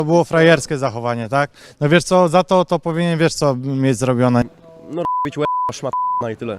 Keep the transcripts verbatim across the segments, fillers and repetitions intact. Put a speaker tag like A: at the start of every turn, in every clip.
A: To było frajerskie zachowanie, tak? No wiesz co, za to to powinien, wiesz co, mieć zrobione.
B: No bić łeb, szmat i tyle.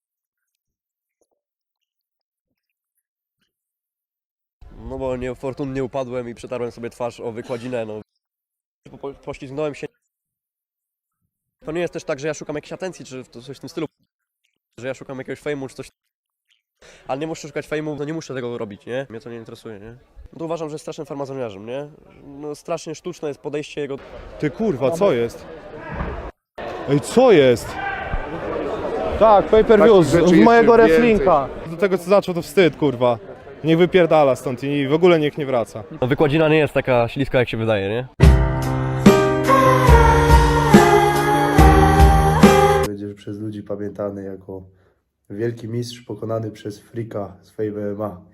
B: No bo niefortunnie upadłem i przetarłem sobie twarz o wykładzinę, no. Po, poślizgnąłem się. To nie jest też tak, że ja szukam jakiejś atencji, czy coś w tym stylu. Że ja szukam jakiegoś fejmu, czy coś. Ale nie muszę szukać fejmu, no nie muszę tego robić, nie? Mnie to nie interesuje, nie? No to uważam, że jest strasznym farmazoniarzem, nie? No strasznie sztuczne jest podejście jego.
C: Ty kurwa, co jest? Ej, co jest? Tak, pay per view z, z mojego reflinka. Do tego co zaczął to wstyd, kurwa. Niech wypierdala stąd i w ogóle niech nie wraca.
B: No wykładzina nie jest taka śliska, jak się wydaje, nie?
D: Będziesz przez ludzi pamiętany jako wielki mistrz pokonany przez frika z Fame M M A.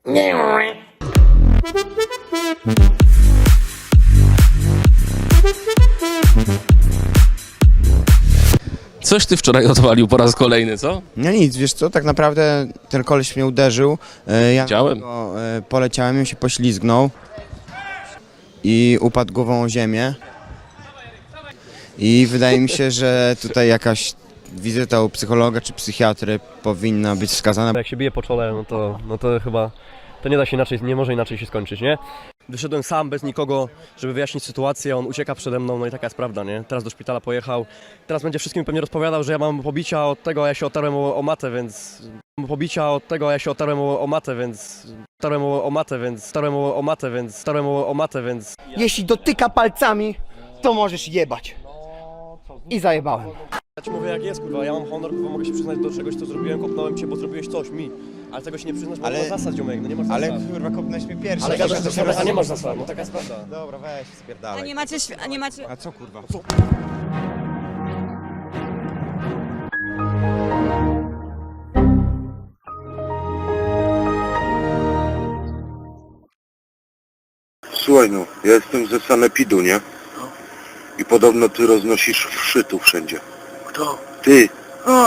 E: Coś ty wczoraj odwalił po raz kolejny, co?
F: No nic, wiesz co, tak naprawdę ten koleś mnie uderzył, e, ja
E: Widziałem.
F: go, e, poleciałem, on się poślizgnął i upadł głową o ziemię i wydaje mi się, że tutaj jakaś wizyta u psychologa czy psychiatry powinna być wskazana.
B: Jak się bije po czole, no to, no to chyba to nie da się inaczej, nie może inaczej się skończyć, nie? Wyszedłem sam, bez nikogo, żeby wyjaśnić sytuację, on ucieka przede mną, no i taka jest prawda, nie? Teraz do szpitala pojechał, teraz będzie wszystkim pewnie rozpowiadał, że ja mam pobicia od tego, a ja się otarłem o, o matę, więc... Mam pobicia od tego, a ja się otarłem o, o matę, więc... Otarłem o, o matę, więc... Otarłem o, o matę, więc... Otarłem o, o matę, więc...
G: Jeśli dotyka palcami, to możesz jebać. I zajebałem.
B: Ja ci mówię jak jest, kurwa, ja mam honor, kurwa, mogę się przyznać do czegoś, co zrobiłem, kopnąłem cię, bo zrobiłeś coś mi. Ale tego się nie przyznasz, bo
F: Ale-
B: nie masz zasad, ziomek, no nie masz zasad.
F: Ale kurwa, kopnąłeś mnie pierwszy.
B: Ale gadasz, że a nie masz zasad, no taka jest prawda.
F: Dobra, weź,
H: A
F: spierdalaj.
H: nie macie, świ- a nie macie...
F: A co kurwa?
I: Słuchaj no, ja jestem ze sanepidu, nie? I podobno ty roznosisz wszy tu wszędzie. Kto? Ty. A!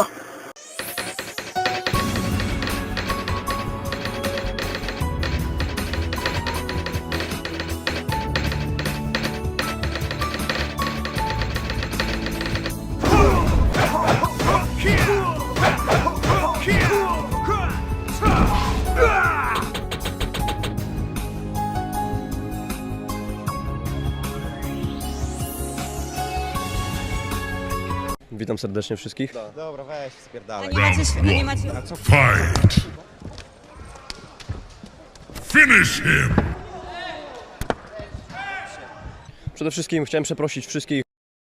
B: Witam serdecznie wszystkich.
F: Dobra, weź,
H: A
F: spierdalaj.
H: nie macie, świ- a nie macie...
B: Przede wszystkim chciałem przeprosić wszystkich